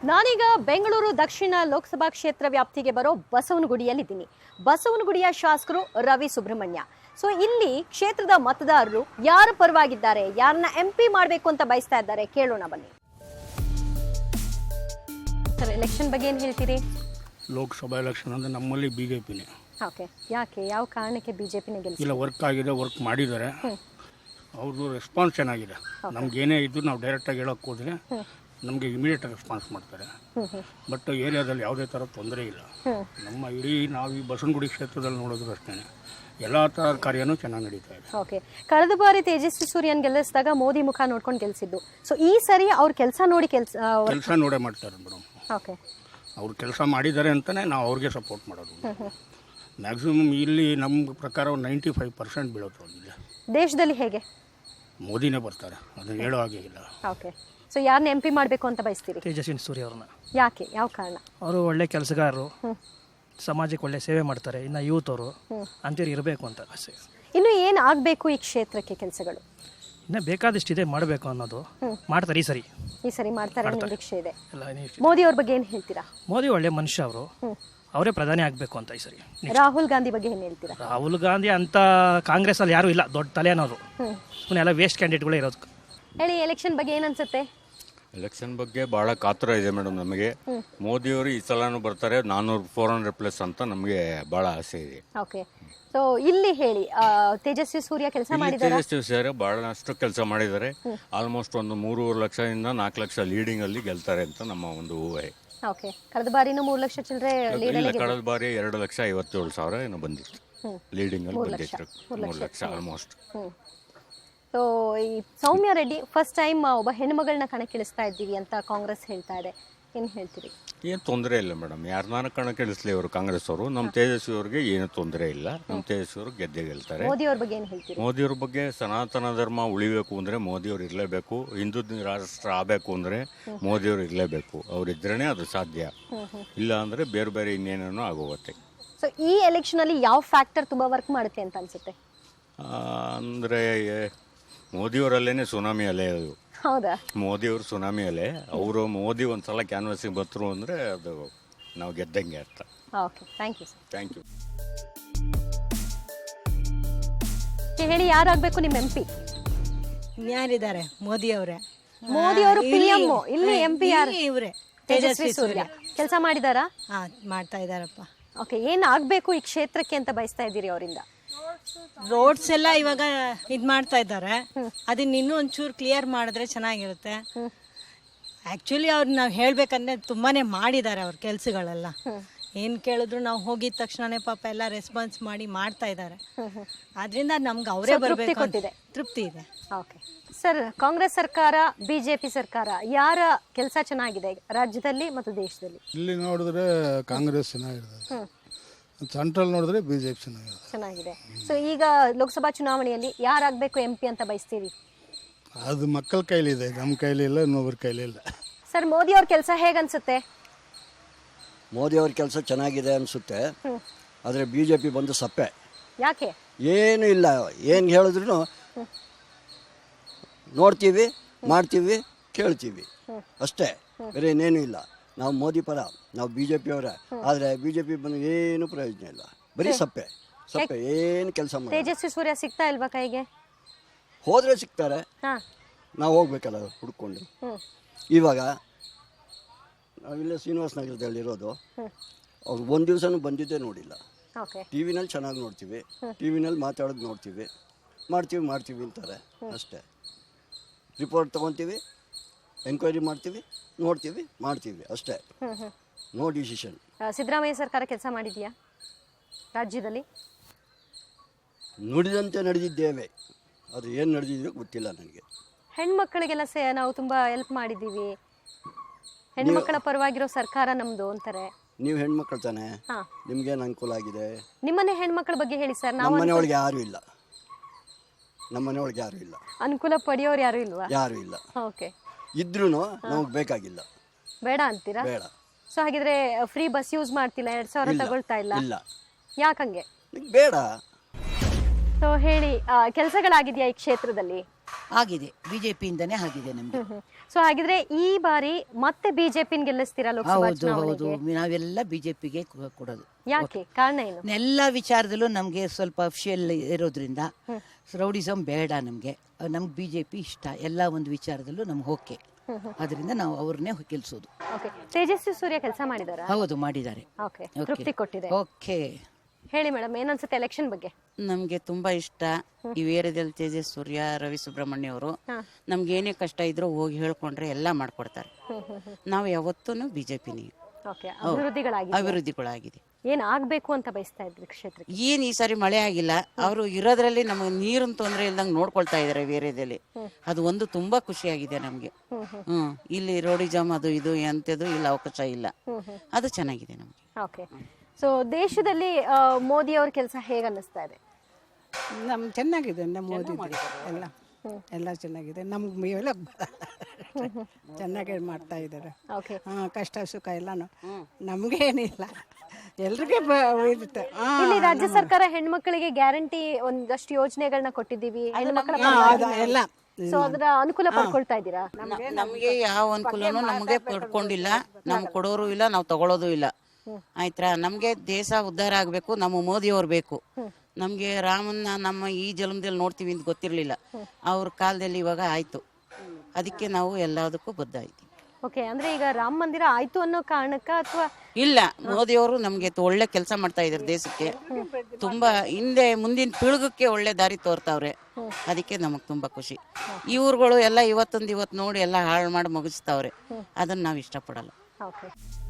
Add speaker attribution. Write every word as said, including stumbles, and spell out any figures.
Speaker 1: ನಾನೀಗ ಬೆಂಗಳೂರು ದಕ್ಷಿಣ ಲೋಕಸಭಾ ಕ್ಷೇತ್ರ ವ್ಯಾಪ್ತಿಗೆ ಬರೋ ಬಸವನಗುಡಿಯಲ್ಲಿದ್ದೀನಿ. ಬಸವನಗುಡಿಯ ಶಾಸಕರು ರವಿ ಸುಬ್ರಹ್ಮಣ್ಯ. ಸೊ ಇಲ್ಲಿ ಕ್ಷೇತ್ರದ ಮತದಾರರು ಯಾರ ಪರವಾಗಿದ್ದಾರೆ, ಯಾರನ್ನ ಎಂಪಿ ಮಾಡಬೇಕು ಅಂತ ಬಯಸ್ತಾ ಇದ್ದಾರೆ, ಕೇಳೋಣ ಬನ್ನಿ. ಸರ್, ಎಲೆಕ್ಷನ್ ಬಗ್ಗೆ ಏನು ಹೇಳ್ತೀರಿ?
Speaker 2: ಲೋಕಸಭಾ ಎಲೆಕ್ಷನ್ ಅಂದ್ರೆ ನಮ್ಮಲ್ಲಿ ಬಿಜೆಪಿನೇ.
Speaker 1: ಓಕೆ, ಯಾಕೆ, ಯಾವ ಕಾರಣಕ್ಕೆ ಬಿಜೆಪಿನೇ ಗೆಲ್ಸಿದೆ?
Speaker 2: ಇಲ್ಲ, ವರ್ಕ್ ಆಗಿದೆ, ವರ್ಕ್ ಮಾಡಿದ್ದಾರೆ. ಅವ್ರದ್ದು ರೆಸ್ಪಾನ್ಸ್ ಚೆನ್ನಾಗಿದೆ. ನಮ್ಗೇನೇ ಇದ್ದು ನಾವು ಡೈರೆಕ್ಟಾಗಿ ಹೇಳೋಕೆ ಹೋದರೆ ನಮಗೆ ಇಮಿಡಿಯೇಟ್ ರೆಸ್ಪಾನ್ಸ್ ಮಾಡ್ತಾರೆ. ಬಟ್ ಏರಿಯಾದಲ್ಲಿ ಯಾವುದೇ ಥರ ತೊಂದರೆ ಇಲ್ಲ. ನಮ್ಮ ಇಡೀ ನಾವು ಈ ಬಸವನಗುಡಿ ಕ್ಷೇತ್ರದಲ್ಲಿ ನೋಡೋದು ಅಷ್ಟೇ, ಎಲ್ಲ ಥರ ಕಾರ್ಯನೂ ಚೆನ್ನಾಗಿ ನಡೀತಾ ಇದೆ.
Speaker 1: ಓಕೆ, ಕಳೆದ ಬಾರಿ ತೇಜಸ್ವಿ ಸೂರ್ಯನ್ ಗೆಲ್ಲಿಸಿದಾಗ ಮೋದಿ ಮುಖ ನೋಡ್ಕೊಂಡು ಗೆಲ್ಸಿದ್ದು. ಸೊ ಈ ಸರಿ ಅವ್ರ ಕೆಲಸ ನೋಡಿ ಕೆಲಸ
Speaker 2: ಕೆಲಸ ನೋಡೇ ಮಾಡ್ತಾರೆ ಮೇಡಮ್.
Speaker 1: ಓಕೆ,
Speaker 2: ಅವ್ರು ಕೆಲಸ ಮಾಡಿದ್ದಾರೆ ಅಂತಲೇ ನಾವು ಅವ್ರಿಗೆ ಸಪೋರ್ಟ್ ಮಾಡೋದು. ಮ್ಯಾಕ್ಸಿಮಮ್ ಇಲ್ಲಿ ನಮ್ಮ ಪ್ರಕಾರ ನೈಂಟಿ ಫೈವ್ ಪರ್ಸೆಂಟ್ ಬೀಳುತ್ತೆ. ಅವ್ರಿಗೆ
Speaker 1: ದೇಶದಲ್ಲಿ ಹೇಗೆ
Speaker 2: ಮೋದಿನೇ ಬರ್ತಾರೆ, ಅದನ್ನು ಹೇಳೋ ಹಾಗೆ ಇಲ್ಲ.
Speaker 1: ಓಕೆ, ಸೊ ಯಾರನ್ನ ಎಂಪಿ ಮಾಡಬೇಕು ಅಂತ ಬಯಸ್ತೀರಿ?
Speaker 3: ತೇಜಸ್ವಿ ಸೂರ್ಯ ಅವ್ರನ್ನ.
Speaker 1: ಯಾಕೆ, ಯಾವ ಕಾರಣ?
Speaker 3: ಅವರು ಒಳ್ಳೆ ಕೆಲಸಗಾರರು, ಸಮಾಜಕ್ಕೆ ಒಳ್ಳೆ ಸೇವೆ ಮಾಡ್ತಾರೆ. ಇನ್ನು ಯೂತ್ ಅವರು ಅಂತೇಳಿ ಇರಬೇಕು ಅಂತ ಆಸೆ.
Speaker 1: ಇನ್ನು ಏನು ಆಗಬೇಕು ಈ ಕ್ಷೇತ್ರಕ್ಕೆ ಕೆಲಸಗಳು?
Speaker 3: ಇನ್ನೂ ಬೇಕಾದಷ್ಟಿದೆ ಮಾಡಬೇಕು ಅನ್ನೋದು. ಮಾಡ್ತಾರೆ ಈ ಸರಿ.
Speaker 1: ಈ ಸರಿ ಮಾಡ್ತಾರೆ ಅನ್ನೋ ನಿರೀಕ್ಷೆ ಇದೆ.
Speaker 3: ಎಲ್ಲ
Speaker 1: ಮೋದಿ ಅವ್ರ ಬಗ್ಗೆ ಏನು ಹೇಳ್ತೀರಾ?
Speaker 3: ಮೋದಿ ಒಳ್ಳೆ ಮನುಷ್ಯ, ಅವರು ಅವರೇ ಪ್ರಧಾನಿ ಆಗಬೇಕು ಅಂತ ಈ ಸರಿ.
Speaker 1: ರಾಹುಲ್ ಗಾಂಧಿ ಬಗ್ಗೆ ಏನು ಹೇಳ್ತೀರಾ?
Speaker 3: ರಾಹುಲ್ ಗಾಂಧಿ ಅಂತ ಕಾಂಗ್ರೆಸ್ ಅಲ್ಲಿ ಯಾರು ಇಲ್ಲ, ದೊಡ್ಡ ತಲೆ ಅನ್ನೋರು. ಸುಮ್ಮನೆ ಎಲ್ಲ ವೇಸ್ಟ್ ಕ್ಯಾಂಡಿಡೇಟ್ಗಳೇ ಇರೋದು.
Speaker 1: ಹೇಳಿ, ಎಲೆಕ್ಷನ್ ಬಗ್ಗೆ ಏನು ಅನ್ಸುತ್ತೆ?
Speaker 4: ಎಲೆಕ್ಷನ್ ಬಗ್ಗೆ ಭಾಳ ಕಾತರ ಇದೆ ಮೇಡಮ್ ನಮಗೆ. ಮೋದಿಯವರು ಈ ಸಲನೂ ಬರ್ತಾರೆ, ನಾನ್ನೂರು ಫೋರ್ ಹಂಡ್ರೆಡ್ ಪ್ಲಸ್ ಅಂತ ನಮಗೆ ಭಾಳ ಆಸೆ ಇದೆ.
Speaker 1: ಓಕೆ, ಸೊ ಇಲ್ಲಿ ಹೇಳಿ, ತೇಜಸ್ವಿ ಸೂರ್ಯ ಕೆಲಸ ಮಾಡಿದ್ದಾರೆ.
Speaker 4: ತೇಜಸ್ವಿ ಸರ್ ಬಹಳಷ್ಟು ಕೆಲಸ ಮಾಡಿದ್ದಾರೆ. ಆಲ್ಮೋಸ್ಟ್ ಒಂದು ಮೂರುವರೆ ಲಕ್ಷದಿಂದ ನಾಲ್ಕು ಲಕ್ಷ ಲೀಡಿಂಗ್ ಅಲ್ಲಿ ಗೆಲ್ತಾರೆ ಅಂತ ನಮ್ಮ ಒಂದು ಊಹೆ.
Speaker 1: ಓಕೆ, ಕಳೆದ ಬಾರಿನೂ ಮೂರು ಲಕ್ಷ ಚಿಲ್ಲರೆ
Speaker 4: ಇಲ್ಲ, ಕಳೆದ ಬಾರಿ ಎರಡು ಲಕ್ಷ ಐವತ್ತೇಳು ಸಾವಿರ ಏನೋ ಬಂದಿತ್ತು ಲೀಡಿಂಗ್ ಅಲ್ಲಿ ಬಂದಿತ್ತು. ಮೂರು ಲಕ್ಷ ಆಲ್ಮೋಸ್ಟ್.
Speaker 1: ಸೊ ಈ ಸೌಮ್ಯ ರೆಡ್ಡಿ ಫಸ್ಟ್ ಟೈಮ್ ಒಬ್ಬ ಹೆಣ್ಮಗಳನ್ನ ಕಣಕ್ಕಿಳಿಸ್ತಾ ಇದ್ದೀವಿ ಅಂತ ಕಾಂಗ್ರೆಸ್ ಹೇಳ್ತಾ ಇದೆ, ಏನು ಹೇಳ್ತೀರಿ?
Speaker 4: ಏನು ತೊಂದರೆ ಇಲ್ಲ ಮೇಡಮ್, ಯಾರನ್ನ ಕಣಕ್ಕಿಳಿಸ್ಲಿ ಅವರು ಕಾಂಗ್ರೆಸ್ ಅವರು. ನಮ್ಮ ತೇಜಸ್ವಿ ಅವ್ರಿಗೆ ಏನು ತೊಂದರೆ ಇಲ್ಲ. ನಮ್ಮ ತೇಜಸ್ವಿ ಅವರು ಗೆದ್ದೆ ಗೆಲ್ತಾರೆ.
Speaker 1: ಮೋದಿ ಅವ್ರ ಬಗ್ಗೆ ಏನು ಹೇಳ್ತೀರಿ?
Speaker 4: ಮೋದಿಯವ್ರ ಬಗ್ಗೆ ಸನಾತನ ಧರ್ಮ ಉಳಿಬೇಕು ಅಂದರೆ ಮೋದಿಯವ್ರು ಇರಲೇಬೇಕು. ಹಿಂದೂ ರಾಷ್ಟ್ರ ಆಗಬೇಕು ಅಂದರೆ ಮೋದಿಯವ್ರು ಇರಲೇಬೇಕು. ಅವರಿದ್ರೇ ಅದು ಸಾಧ್ಯ. ಇಲ್ಲ ಅಂದರೆ ಬೇರೆ ಬೇರೆ ಇನ್ನೇನೇನೋ ಆಗೋಗುತ್ತೆ.
Speaker 1: ಸೊ ಈ ಎಲೆಕ್ಷನ್ ಅಲ್ಲಿ ಯಾವ ಫ್ಯಾಕ್ಟರ್ ತುಂಬಾ ವರ್ಕ್ ಮಾಡುತ್ತೆ ಅಂತ ಅನ್ಸುತ್ತೆ?
Speaker 4: ಅಂದರೆ ಮೋದಿಯವರಲ್ಲೇನೆ ಸುನಾಮಿ ಅಲೆ ಅದು.
Speaker 1: ಹೌದಾ?
Speaker 4: ಮೋದಿಯವರು ಸುನಾಮಿ ಅಲೆ. ಅವರು ಮೋದಿ ಒಂದ್ಸಲ ಕ್ಯಾನ್ವಾಸಿಗೆ ಬರ್ತರು ಅಂದರೆ ಅದು ನಾವು ಗೆದ್ದಂಗೆ ಅರ್ಥ.
Speaker 1: Okay, thank you sir.
Speaker 4: Thank you.
Speaker 1: ಹೇಳಿ, ಯಾರಾಗಬೇಕು ನಿಮ್ಮ ಎಂ ಪಿ?
Speaker 5: ಯಾರಿದ್ದಾರೆ? ಮೋದಿ ಅವರೇ.
Speaker 1: ಮೋದಿ ಅವರು ಪಿ ಎಂ, ಇಲ್ಲಿ ಎಂ ಪಿ ಯಾರು?
Speaker 5: ಇವರೇ,
Speaker 1: ತೇಜಸ್ವಿ ಸೂರ್ಯ. ಕೆಲಸ ಮಾಡಿದಾರಾ?
Speaker 5: ಹಾ, ಮಾಡ್ತಾ ಇದಾರಪ್ಪ.
Speaker 1: ಓಕೆ, ಏನ್ ಆಗ್ಬೇಕು ಈ ಕ್ಷೇತ್ರಕ್ಕೆ ಅಂತ ಬಯಸ್ತಾ ಇದ್ದೀರಿ ಅವರಿಂದ?
Speaker 5: ರೋಡ್ಸ್ ಎಲ್ಲ ಇವಾಗ ಇದ್ ಮಾಡ್ತಾ ಇದ್ದಾರೆ, ಅದನ್ನ ಇನ್ನೂ ಒಂಚೂರು ಕ್ಲಿಯರ್ ಮಾಡಿದ್ರೆ ಚೆನ್ನಾಗಿರುತ್ತೆ. ಆಕ್ಚುಲಿ ಅವ್ರು ನಾವು ಹೇಳ್ಬೇಕಂದ್ರೆ ತುಂಬಾನೇ ಮಾಡಿದ್ದಾರೆ ಅವ್ರ ಕೆಲ್ಸಗಳೆಲ್ಲ. ಏನ್ ಕೇಳಿದ್ರು ನಾವು ಹೋಗಿದ ತಕ್ಷಣನೇ ಪಾಪ ಎಲ್ಲ ರೆಸ್ಪಾನ್ಸ್ ಮಾಡಿ ಮಾಡ್ತಾ ಇದ್ದಾರೆ. ಆದ್ರಿಂದ ನಮ್ಗೆ ಅವರೇ ಬರ್ಬೇಕು ಅಂತ ತೃಪ್ತಿ ಇದೆ.
Speaker 1: ಓಕೆ ಸರ್, ಕಾಂಗ್ರೆಸ್ ಸರ್ಕಾರ, ಬಿಜೆಪಿ ಸರ್ಕಾರ, ಯಾರ ಕೆಲಸ ಚೆನ್ನಾಗಿದೆ ರಾಜ್ಯದಲ್ಲಿ ಮತ್ತು ದೇಶದಲ್ಲಿ?
Speaker 6: ಇಲ್ಲಿ ನೋಡಿದ್ರೆ ಕಾಂಗ್ರೆಸ್ ಚೆನ್ನಾಗಿದೆ, ಸೆಂಟ್ರಲ್ ನೋಡಿದ್ರೆ ಬಿಜೆಪಿ ಚೆನ್ನಾಗಿದೆ.
Speaker 1: ಚೆನ್ನಾಗಿದೆ. ಸೊ ಈಗ ಲೋಕಸಭಾ ಚುನಾವಣೆಯಲ್ಲಿ ಯಾರಾಗಬೇಕು ಎಂ ಪಿ ಅಂತ ಬಯಸ್ತೀರಿ?
Speaker 6: ಅದು ಮಕ್ಕಳ ಕೈಲಿದೆ, ನಮ್ಮ ಕೈಲಿ ಇಲ್ಲ, ಇನ್ನೊಬ್ಬರ ಕೈಲಿ ಇಲ್ಲ.
Speaker 1: ಸರ್, ಮೋದಿ ಅವ್ರ ಕೆಲಸ ಹೇಗನ್ಸುತ್ತೆ?
Speaker 7: ಮೋದಿ ಅವ್ರ ಕೆಲಸ ಚೆನ್ನಾಗಿದೆ ಅನಿಸುತ್ತೆ, ಆದರೆ ಬಿ ಜೆ ಪಿ ಬಂದು ಸಪ್ಪೆ.
Speaker 1: ಯಾಕೆ?
Speaker 7: ಏನು ಇಲ್ಲ, ಏನು ಹೇಳಿದ್ರು ನೋಡ್ತೀವಿ, ಮಾಡ್ತೀವಿ, ಕೇಳ್ತೀವಿ ಅಷ್ಟೇ, ಬೇರೆ ಇನ್ನೇನು ಇಲ್ಲ. ನಾವು ಮೋದಿ ಪರ, ನಾವು ಬಿ ಜೆ ಪಿಯವರ. ಆದರೆ ಬಿ ಜೆ ಪಿ ಬಂದು ಏನು ಪ್ರಯೋಜನ ಇಲ್ಲ, ಬರೀ ಸಪ್ಪೆ ಸಪ್ಪೆ, ಏನು ಕೆಲಸ ಮಾಡಿ.
Speaker 1: ತೇಜಸ್ವಿ ಸೂರ್ಯ ಸಿಗ್ತಾ ಇಲ್ವಾ ಕೈಗೆ?
Speaker 7: ಹೋದರೆ ಸಿಗ್ತಾರೆ,
Speaker 1: ಹಾ,
Speaker 7: ನಾವು ಹೋಗ್ಬೇಕಲ್ಲ ಹುಡ್ಕೊಂಡು. ಇವಾಗ ನಾವಿಲ್ಲೇ ಶ್ರೀನಿವಾಸ ನಗರದಲ್ಲಿರೋದು, ಅವ್ರು ಒಂದು ದಿವಸನೂ ಬಂದಿದ್ದೇ ನೋಡಿಲ್ಲ. ಟಿ ವಿನಲ್ಲಿ ಚೆನ್ನಾಗಿ ನೋಡ್ತೀವಿ, ಟಿ ವಿನಲ್ಲಿ ಮಾತಾಡೋದು ನೋಡ್ತೀವಿ, ಮಾಡ್ತೀವಿ ಮಾಡ್ತೀವಿ ಅಂತಾರೆ ಅಷ್ಟೇ. ರಿಪೋರ್ಟ್ ತೊಗೊತೀವಿ, ಎಂಕ್ವೈರಿ ಮಾಡ್ತೀವಿ, ನೋಡ್ತೀವಿ, ಮಾಡ್ತೀವಿ ಅಷ್ಟೇ. No decision.
Speaker 1: ಸಿದ್ದರಾಮಯ್ಯ ಸರ್ಕಾರ ಕೆಲಸ ಮಾಡಿದೆಯಾ ರಾಜ್ಯದಲ್ಲಿ?
Speaker 7: ನುಡಿದಂತೆ ನಡೆದಿದ್ದೇವೆ, ಅದು ಏನು ನಡೆದಿದೆಯೋ ಗೊತ್ತಿಲ್ಲ ನನಗೆ.
Speaker 1: ಹೆಣ್ಮಕ್ಳಿಗೆಲ್ಲ ಸೇ ನಾವು ತುಂಬಾ ಹೆಲ್ಪ್ ಮಾಡಿದ್ದೀವಿ, ಹೆಣ್ಮಕ್ಕಳ ಪರವಾಗಿರೋ ಸರ್ಕಾರ ನಮ್ದು ಅಂತಾರೆ.
Speaker 7: ನೀವು ಹೆಣ್ಮಕ್ಳು ತಾನೆ, ನಿಮ್ಗೇನು ಅನುಕೂಲ ಆಗಿದೆ?
Speaker 1: ನಿಮ್ಮನೆ ಹೆಣ್ಮಕ್ಳ ಬಗ್ಗೆ ಹೇಳಿ ಸರ್.
Speaker 7: ನಮ್ಮ ಮನೆಯೊಳಗೆ ಯಾರು ಇಲ್ಲ, ನಮ್ಮ ಮನೆಯೊಳಗೆ ಯಾರು ಇಲ್ಲ.
Speaker 1: ಅನುಕೂಲ ಪಡೆಯೋರು ಯಾರು ಇಲ್ವಾ?
Speaker 7: ಯಾರು ಇಲ್ಲ.
Speaker 1: ಓಕೆ,
Speaker 7: ಇದ್ರೂ ನಮಗೆ ಬೇಕಾಗಿಲ್ಲ,
Speaker 1: ಬೇಡ ಅಂತೀರಾ?
Speaker 7: ಬೇಡ.
Speaker 1: ಸೊ ಹಾಗಿದ್ರೆ ಫ್ರೀ ಬಸ್ ಯೂಸ್ ಮಾಡ್ತಿಲ್ಲ, ಎರಡ್ ಸಾವಿರ ತಗೊಳ್ತಾ ಇಲ್ಲ?
Speaker 7: ಇಲ್ಲ.
Speaker 1: ಯಾಕಂಗೆ?
Speaker 7: ಬೇಡ.
Speaker 1: ಸೊ ಹೇಳಿ, ಕೆಲಸಗಳಾಗಿದೆಯಾ ಈ ಕ್ಷೇತ್ರದಲ್ಲಿ?
Speaker 8: ಆಗಿದೆ, ಬಿಜೆಪಿಯಿಂದನೇ ಆಗಿದೆ ನಮ್ಗೆ.
Speaker 1: ಸೊ ಹಾಗಿದ್ರೆ ಈ ಬಾರಿ ಮತ್ತೆ ಬಿಜೆಪಿ ಗೆಲ್ಲಿಸ್ತೀರಾ ಲೋಕಸಭಾ
Speaker 8: ಹೌದು ಹೌದು,
Speaker 1: ಚುನಾವಣೆಗೆ?
Speaker 8: ನಾವೆಲ್ಲ ಬಿಜೆಪಿಗೆ ಕೊಡೋದು.
Speaker 1: ಯಾಕೆ, ಕಾರಣ ಏನು?
Speaker 8: ಎಲ್ಲ ವಿಚಾರದಲ್ಲೂ ನಮಗೆ ಸ್ವಲ್ಪ ಅಫಿಷಿಯಲ್ ಇರೋದ್ರಿಂದ ರೌಡಿಸಮ್ ಬೇಡ ನಮಗೆ. ನಮ್ಗೆ ಬಿಜೆಪಿ ಇಷ್ಟ, ಎಲ್ಲ ಒಂದು ವಿಚಾರದಲ್ಲೂ ನಮ್ಗೆ ಓಕೆ. ಅದರಿಂದ ನಾವು ಅವ್ರನ್ನೇ ಗೆಲ್ಸೋದು.
Speaker 1: ಓಕೆ, ತೇಜಸ್ವಿ ಸೂರ್ಯ ಕೆಲಸ ಮಾಡಿದಾರಾ?
Speaker 8: ಹೌದು, ಮಾಡಿದ್ದಾರೆ.
Speaker 1: ಓಕೆ, ತೃಪ್ತಿ ಕೊಟ್ಟಿದೆ.
Speaker 8: ಓಕೆ,
Speaker 1: ಹೇಳಿ ಮೇಡಮ್, ಏನನ್ಸುತ್ತೆ ಎಲೆಕ್ಷನ್ ಬಗ್ಗೆ?
Speaker 9: ನಮಗೆ ತುಂಬಾ ಇಷ್ಟ ಈ ಏರಿಯಾದಲ್ಲಿ ತೇಜಸ್ ಸೂರ್ಯ, ರವಿ ಸುಬ್ರಹ್ಮಣ್ಯ ಅವರು. ನಮ್ಗೆ ಏನೇ ಕಷ್ಟ ಇದ್ರೂ ಹೋಗಿ ಹೇಳ್ಕೊಂಡ್ರೆ ಎಲ್ಲ ಮಾಡ್ಕೊಡ್ತಾರೆ. ನಾವು ಯಾವತ್ತೂ ಬಿಜೆಪಿನೇ.
Speaker 1: ಓಕೆ, ಅಭಿವೃದ್ಧಿಗಳಾಗಿದೆ.
Speaker 9: ಅಭಿವೃದ್ಧಿಗಳಾಗಿದೆ.
Speaker 1: ಏನ್ ಆಗ್ಬೇಕು ಅಂತ ಬಯಸ್ತಾ ಇದ್ರಿ ಕ್ಷೇತ್ರಕ್ಕೆ?
Speaker 9: ಏನ್ ಈ ಸಾರಿ ಮಳೆ ಆಗಿಲ್ಲ, ಅವರು ಇರೋದ್ರಲ್ಲಿ ನಮಗೆ ನೀರಿನ ತೊಂದರೆ ಇಲ್ದಂಗೆ ನೋಡ್ಕೊಳ್ತಾ ಇದಾರೆ ಏರಿಯಾದಲ್ಲಿ. ಅದು ಒಂದು ತುಂಬಾ ಖುಷಿಯಾಗಿದೆ ನಮ್ಗೆ. ಹ್ಮ್ ಇಲ್ಲಿ ರೋಡಿಜಾಮ್ ಅದು ಇದು ಎಂತದು ಇಲ್ಲ, ಅವಕಾಶ ಇಲ್ಲ. ಅದು ಚೆನ್ನಾಗಿದೆ ನಮ್ಗೆ.
Speaker 1: ಓಕೆ, ಸೊ ದೇಶದಲ್ಲಿ ಮೋದಿ ಅವ್ರ ಕೆಲಸ ಹೇಗೆ ಅನ್ನಿಸ್ತಾ ಇದೆ?
Speaker 10: ನಮ್ ಚೆನ್ನಾಗಿದೆ, ನಮ್ಮ ಮೋದಿ ಎಲ್ಲ ಎಲ್ಲ ಚೆನ್ನಾಗಿದೆ. ನಮ್ಗೆ ಎಲ್ಲ ಚೆನ್ನಾಗಿ ಮಾಡ್ತಾ ಇದ್ದಾರೆ.
Speaker 1: ಓಕೆ,
Speaker 10: ಹಾ, ಕಷ್ಟ ಸುಖ ಎಲ್ಲಾನು ನಮ್ಗೇನಿಲ್ಲ, ಎಲ್ರಿಗೆ ಇರುತ್ತೆ.
Speaker 1: ಇಲ್ಲಿ ರಾಜ್ಯ ಸರ್ಕಾರ ಹೆಣ್ಮಕ್ಳಿಗೆ ಗ್ಯಾರಂಟಿ ಒಂದಷ್ಟು ಯೋಜನೆಗಳನ್ನ ಕೊಟ್ಟಿದ್ದೀವಿ, ಹೆಣ್ಮಕ್ಳ
Speaker 10: ಎಲ್ಲ
Speaker 1: ಸೊ ಅದರ ಅನುಕೂಲ ಪಡ್ಕೊಳ್ತಾ ಇದ್ದೀರಾ?
Speaker 9: ನಮಗೆ ಯಾವ ಅನುಕೂಲನೂ ನಮಗೆ ಪಡ್ಕೊಂಡಿಲ್ಲ, ನಮ್ಗೆ ಕೊಡೋರು ಇಲ್ಲ, ನಾವು ತಗೊಳ್ಳೋದು ಇಲ್ಲ. ಆಯ್ತಾ, ನಮ್ಗೆ ದೇಶ ಉದ್ಧಾರ ಆಗ್ಬೇಕು, ನಮ್ಮ ಮೋದಿ ಅವ್ರು ಬೇಕು. ನಮ್ಗೆ ರಾಮನ್ನ ನಮ್ಮ ಈ ಜನ್ಮದಲ್ಲಿ ನೋಡ್ತೀವಿ ಅಂತ ಗೊತ್ತಿರ್ಲಿಲ್ಲ, ಅವ್ರ ಕಾಲದಲ್ಲಿ ಇವಾಗ ಆಯ್ತು. ಅದಕ್ಕೆ ನಾವು ಎಲ್ಲದಕ್ಕೂ ಬದ್ಧ ಆಯ್ತೀವಿ.
Speaker 1: ಓಕೆ, ಅಂದ್ರೆ ಈಗ ರಾಮ ಮಂದಿರ ಆಯ್ತು ಅನ್ನೋ ಕಾರಣಕ್ಕ ಅಥವಾ
Speaker 9: ಇಲ್ಲ, ಮೋದಿ ಅವರು ನಮ್ಗೆ ಒಳ್ಳೆ ಕೆಲಸ ಮಾಡ್ತಾ ಇದಾರೆ ದೇಶಕ್ಕೆ. ತುಂಬಾ ಹಿಂದೆ ಮುಂದಿನ ಪೀಳಿಗಕ್ಕೆ ಒಳ್ಳೆ ದಾರಿ ತೋರ್ತಾವ್ರೆ. ಅದಕ್ಕೆ ನಮಗ್ ತುಂಬಾ ಖುಷಿ. ಇವ್ರುಗಳು ಎಲ್ಲ ಇವತ್ತೊಂದು ಇವತ್ತು ನೋಡಿ ಎಲ್ಲ ಹಾಳು ಮಾಡಿ ಮುಗಿಸ್ತಾವ್ರೆ. ಅದನ್ನ ನಾವು ಇಷ್ಟಪಡಲ್ಲ.
Speaker 1: ಓಕೆ.